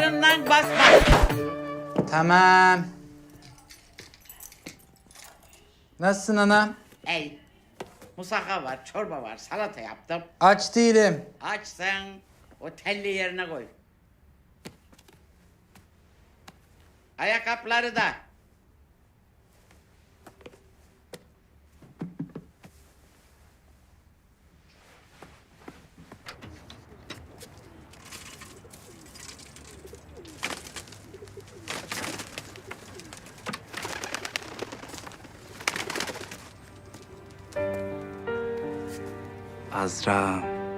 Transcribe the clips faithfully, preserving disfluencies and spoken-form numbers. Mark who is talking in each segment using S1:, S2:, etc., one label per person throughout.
S1: ayaklarından basma.
S2: Tamam. Nasılsın ana?
S1: Ey, musaka var, çorba var, salata yaptım.
S2: Aç değilim.
S1: Açsın, o telli yerine koy. Ayakkabıları da.
S2: Azra.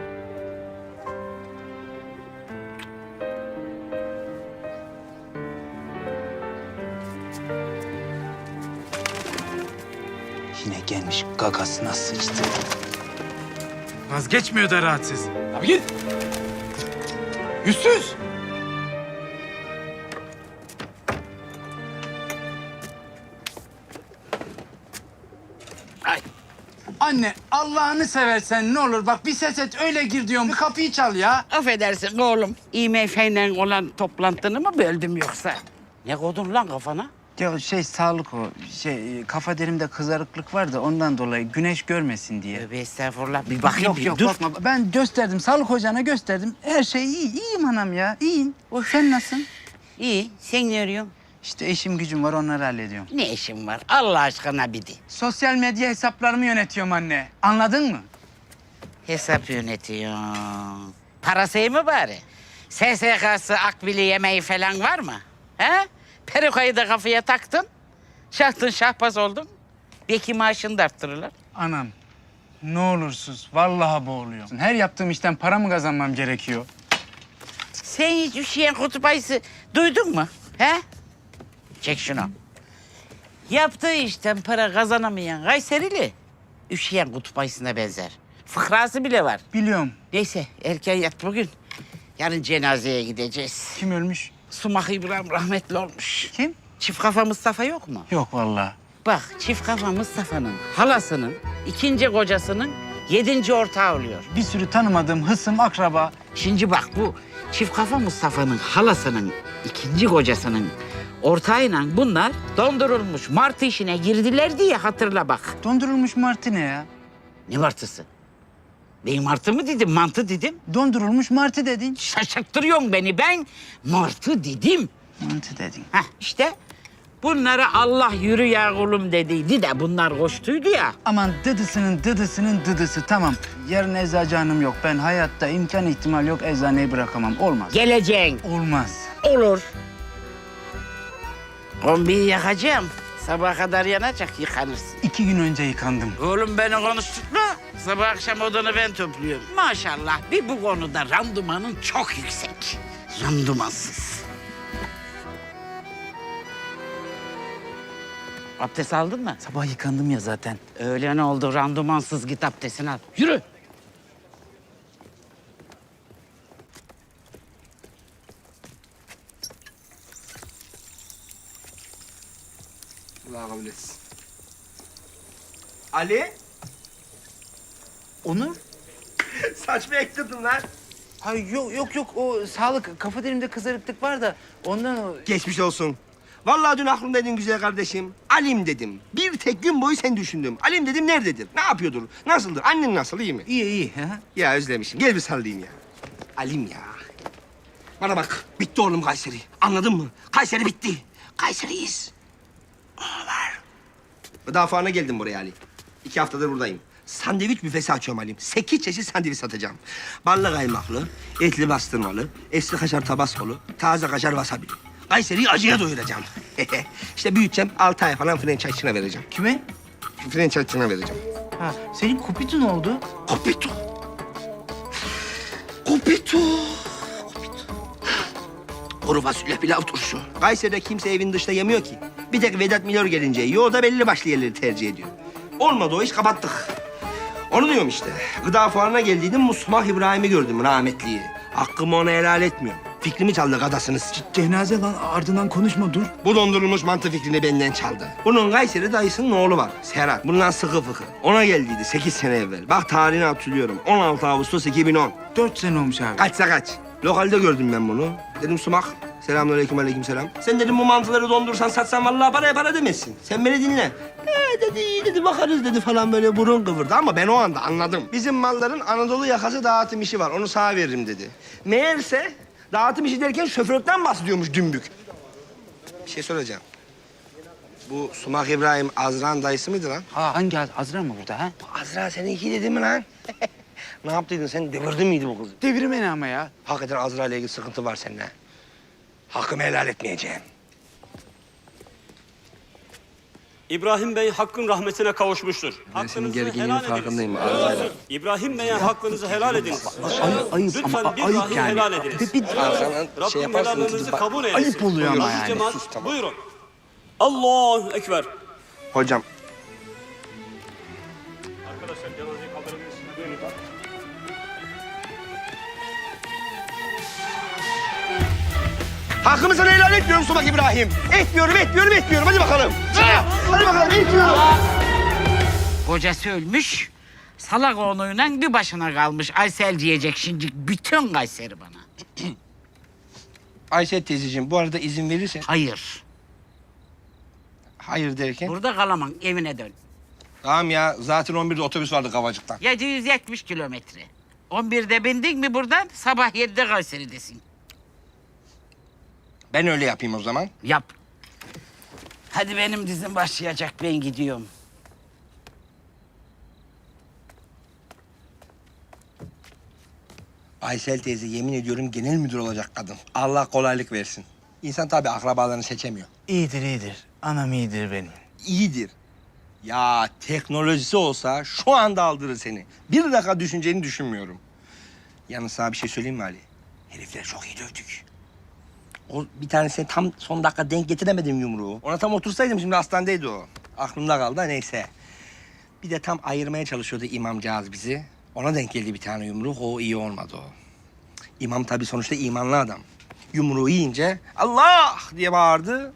S2: Yine gelmiş gagasına sıçtı.
S3: Vazgeçmiyor da rahatsız. Abi git. Yüzsüz.
S2: Ay. Anne Allah'ını seversen ne olur bak bir ses et öyle gir diyorum. Bir kapıyı çal ya.
S1: Affedersin oğlum. İ M F'yle olan toplantını mı böldüm yoksa? Ne koydun lan kafana?
S2: Ya şey sağlık o. Şey kafa derimde kızarıklık var da ondan dolayı güneş görmesin diye.
S1: Tövbe estağfurullah. Bir bakayım
S2: Yok
S1: bir
S2: yok
S1: dur.
S2: bakma. Ben gösterdim sağlık hocana gösterdim. Her şey iyi. İyiyim anam ya. İyiyim. Sen nasılsın?
S1: İyi. Sen ne arıyorsun?
S2: İşte işim gücüm var onları hallediyorum.
S1: Ne işin var? Allah aşkına bir de.
S2: Sosyal medya hesaplarımı yönetiyorum anne. Anladın mı?
S1: Hesap yönetiyorsun. Parası iyi mi bari? S S K'sı, akbili yemeği falan var mı? He? Perukayı da kafaya taktın. Şahtın şahbaz oldun. Belki maaşını da arttırırlar.
S2: Anam ne olursuz vallahi boğuluyorum. Her yaptığım işten para mı kazanmam gerekiyor?
S1: Sen hiç üşüyen kutup ayısı duydun mu? He? Çek şunu. Yaptığı işten para kazanamayan Kayserili üşüyen kutup ayısına benzer. Fıkrası bile var.
S2: Biliyorum.
S1: Neyse erken yat bugün. Yarın cenazeye gideceğiz.
S2: Kim ölmüş?
S1: Sumak İbrahim rahmetli olmuş.
S2: Kim?
S1: Çift kafa Mustafa yok mu?
S2: Yok vallahi.
S1: Bak çift kafa Mustafa'nın halasının ikinci kocasının yedinci ortağı oluyor.
S2: Bir sürü tanımadığım hısım, akraba.
S1: Şimdi bak bu çift kafa Mustafa'nın halasının ikinci kocasının ortağıyla bunlar dondurulmuş martı işine girdiler diye hatırla bak.
S2: Dondurulmuş martı ne ya?
S1: Ne martısı? Ben martı mı dedim, mantı dedim.
S2: Dondurulmuş martı dedin.
S1: Şaşırttırıyorsun beni. Ben martı dedim.
S2: Mantı dedin.
S1: Heh işte bunlara Allah yürü ya kulum dediydi de bunlar koştuydu ya.
S2: Aman dıdısının dıdısının dıdısı tamam. Yarın eczacı hanım yok. Ben hayatta imkan ihtimal yok eczaneyi bırakamam. Olmaz.
S1: Geleceksin.
S2: Olmaz.
S1: Olur. Kombiyi yakacağım. Sabaha kadar yanacak, yıkanırsın.
S2: İki gün önce yıkandım.
S1: Oğlum beni konuşturma. Sabah akşam odanı ben topluyorum. Maşallah bir bu konuda randımanın çok yüksek. Randımansız. Abdest aldın mı?
S2: Sabah yıkandım ya zaten.
S1: Öyle ne oldu? Randımansız git abdestini al. Yürü.
S4: Allah kabul etsin. Ali?
S2: Onur?
S4: Saç mı ektirdin lan?
S2: Hayır yok yok yok o sağlık kafa derimde kızarıklık var da ondan o...
S4: Geçmiş olsun. Vallahi dün aklımdaydın güzel kardeşim. Alim dedim. Bir tek gün boyu sen düşündüm. Alim dedim nerededir? Ne yapıyordur? Nasıldır? Annen nasıl? İyi mi?
S2: İyi iyi. Ha?
S4: Ya özlemişim. Gel bir sallayayım ya. Alim ya. Bana bak. Bitti oğlum Kayseri. Anladın mı? Kayseri bitti. Kayseriyiz. Ağlar. Daha sonra geldim buraya Ali. İki haftadır buradayım. Sandviç büfesi açıyorum Halim. Sekiz çeşit sandviç satacağım. Ballı kaymaklı, etli bastırmalı, eski kaşar tabaskolu, taze kaşar wasabi. Kayseri'yi acıya doyuracağım. İşte büyüteceğim, altı ay falan franchise'ına vereceğim.
S2: Kime?
S4: Franchise'ına vereceğim.
S2: Ha, senin kupitun oldu.
S4: Kopito. Kopito. Kuru fasulye pilav turşu. Kayseri'de kimse evin dışında yemiyor ki. Bir tek Vedat Milor gelince yiyor, o da belli başlı yerleri tercih ediyor. Olmadı o iş, kapattık. Onu diyorum işte. Gıda fuarına geldiydim, Musmah İbrahim'i gördüm rahmetliyi. Hakkımı ona helal etmiyorum. Fikrimi çaldı gadasınız.
S2: Cenaze lan ardından konuşma dur.
S4: Bu dondurulmuş mantı fikrini benden çaldı. Bunun Kayseri dayısının oğlu var, Serhat. Bundan sıkı fıkı. Ona geldiydi sekiz sene evvel. Bak tarihini hatırlıyorum. on altı Ağustos iki bin on.
S2: Dört sene olmuş abi.
S4: Kaçsa kaç. Lokalde gördüm ben bunu. Dedim Sumak, Selamünaleyküm, aleykümselam. Sen dedim bu mantıları dondursan satsan vallahi paraya para demezsin. Sen beni dinle. Ee dedi, iyi dedi, bakarız dedi falan böyle burun kıvırdı ama ben o anda anladım. Bizim malların Anadolu yakası dağıtım işi var, onu sana veririm dedi. Meğerse dağıtım işi derken şoförlükten bahsediyormuş dümbük. Bir şey soracağım. Bu Sumak İbrahim Azra'nın dayısı mıydı lan?
S2: Ha hangi Az- Azra mı burada ha?
S4: Azra seninki dedi mi lan? Ne yaptıydın sen? Devirdin miydi bu kızı?
S2: Devirmeni ama ya.
S4: Hakikaten Azra ile ilgili sıkıntı var seninle. Hakkımı helal etmeyeceğim.
S5: İbrahim Bey hakkın rahmetine kavuşmuştur.
S4: Ben senin
S5: Hakkınızı
S4: gerginliğinin
S5: helal ediniz.
S4: farkındayım. Azra'yla.
S5: İbrahim Bey'e hakkınızı helal ediniz.
S2: Ayıp, ayıp
S5: Lütfen
S2: ama
S5: bir
S2: ayıp
S5: dahi
S2: yani.
S5: helal ediniz.
S2: Bir, bir,
S4: Arkadan
S5: Rabbim
S4: şey yaparsın.
S5: helallerinizi
S4: bak-
S5: kabul eylesin.
S2: ayıp oluyor ama
S5: Buyurun
S2: yani.
S5: cemaat,
S4: Sus, tamam.
S5: buyurun. Allahu Ekber.
S4: Hocam,
S5: Arkadaşlar cenazeyi kaldırabilirsiniz. Buyurun.
S4: hakkımı sana helal etmiyorum Sumak İbrahim. Etmiyorum, etmiyorum, etmiyorum. Hadi bakalım. Hadi bakalım, etmiyorum.
S1: Kocası ölmüş. Salak oğluyla bir başına kalmış. Aysel diyecek şimdi bütün Kayseri bana.
S4: Aysel teyzeciğim, bu arada izin verirsen...
S1: Hayır.
S4: Hayır derken?
S1: Burada kalamam. Evine dön.
S4: Tamam ya, zaten on birde otobüs vardı Kavacık'tan.
S1: yedi yüz yetmiş kilometre. on birde bindin mi buradan sabah yedide Kayseri'desin.
S4: Ben öyle yapayım o zaman.
S1: Yap. Hadi benim dizim başlayacak. Ben gidiyorum.
S4: Aysel teyze yemin ediyorum genel müdür olacak kadın. Allah kolaylık versin. İnsan tabii akrabalarını seçemiyor.
S2: iyidir iyidir. Anam iyidir benim.
S4: İyidir. Ya teknolojisi olsa şu anda aldırır seni. Bir dakika düşüneceğini düşünmüyorum. Yalnız sana bir şey söyleyeyim mi Ali? Herifler çok iyi dövdük. O bir tanesine tam son dakika denk getiremedim yumruğu. Ona tam otursaydım şimdi hastanedeydi o. Aklımda kaldı da neyse. Bir de tam ayırmaya çalışıyordu imamcağız bizi. Ona denk geldi bir tane yumruk. O iyi olmadı o. İmam tabii sonuçta imanlı adam. Yumruğu yiyince Allah diye bağırdı.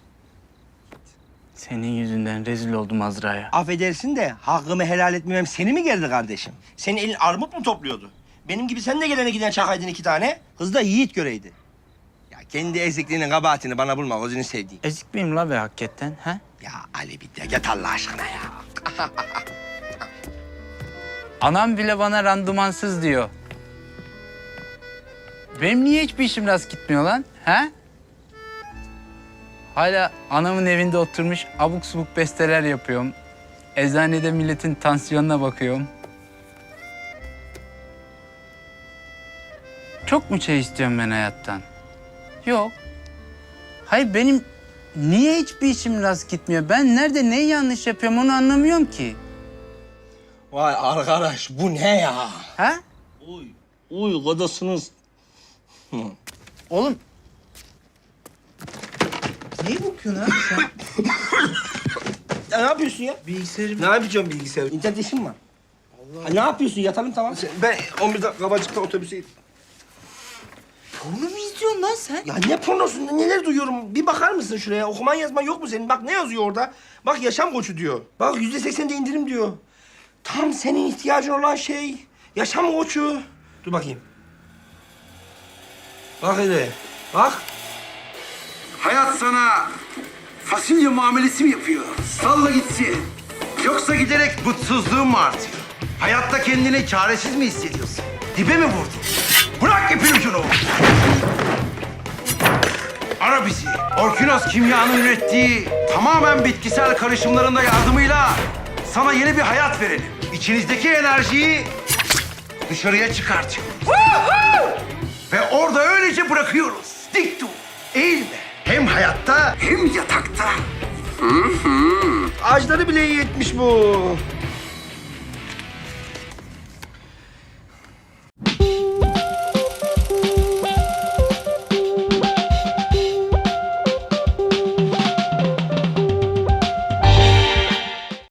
S2: Senin yüzünden rezil oldum Azra'ya.
S4: Affedersin de hakkımı helal etmemem seni mi gerdi kardeşim? Senin elin armut mu topluyordu? Benim gibi sen de gelene giden çakaydın iki tane. Kız da yiğit göreydi. Ya kendi ezikliğinin kabahatini bana bulma gözünü sevdiğim.
S2: Ezik miyim la be hakikaten ha?
S4: Ya Ali bir de git Allah aşkına ya.
S2: Anam bile bana randımansız diyor. Benim niye hiçbir işim rast gitmiyor lan? Ha? Hala anamın evinde oturmuş abuk subuk besteler yapıyorum. Eczanede milletin tansiyonuna bakıyorum. Çok mu şey istiyorum ben hayattan? Yok. Hayır benim niye hiçbir işim rast gitmiyor? Ben nerede neyi yanlış yapıyorum onu anlamıyorum ki.
S4: Vay arkadaş bu ne ya?
S2: Ha?
S4: Uy, uy kodasınız.
S2: Oğlum. Niye bakıyorsun abi sen?
S4: Ya ne yapıyorsun ya?
S2: Bilgisayarı...
S4: Ne yapacağım bilgisayar? İnternet işim var. Allah. Ha, ne yapıyorsun? Yatalım tamam. Ben on birde Kabacık'ta otobüse...
S2: Porno mu izliyorsun lan sen?
S4: Ya ne pornosu? Neler duyuyorum? Bir bakar mısın şuraya? Okuman yazman yok mu senin? Bak ne yazıyor orada? Bak yaşam koçu diyor. Bak yüzde seksen de indirim diyor. Tam senin ihtiyacın olan şey. Yaşam koçu. Dur bakayım. Bak hele. Bak.
S6: Hayat sana fasulye muamelesi mi yapıyor? Salla gitsin. Yoksa giderek mutsuzluğun mu artıyor? Hayatta kendini çaresiz mi hissediyorsun? Dibe mi vurdun? Bırak ipin ucunu. Ara bizi. Orkinos Kimya'nın ürettiği tamamen bitkisel karışımlarında yardımıyla sana yeni bir hayat verelim. İçinizdeki enerjiyi dışarıya çıkartıyoruz. Ve orada öylece bırakıyoruz. Dik dur, eğilme. Hem hayatta hem yatakta.
S4: Ağaçları bile iyi etmiş bu.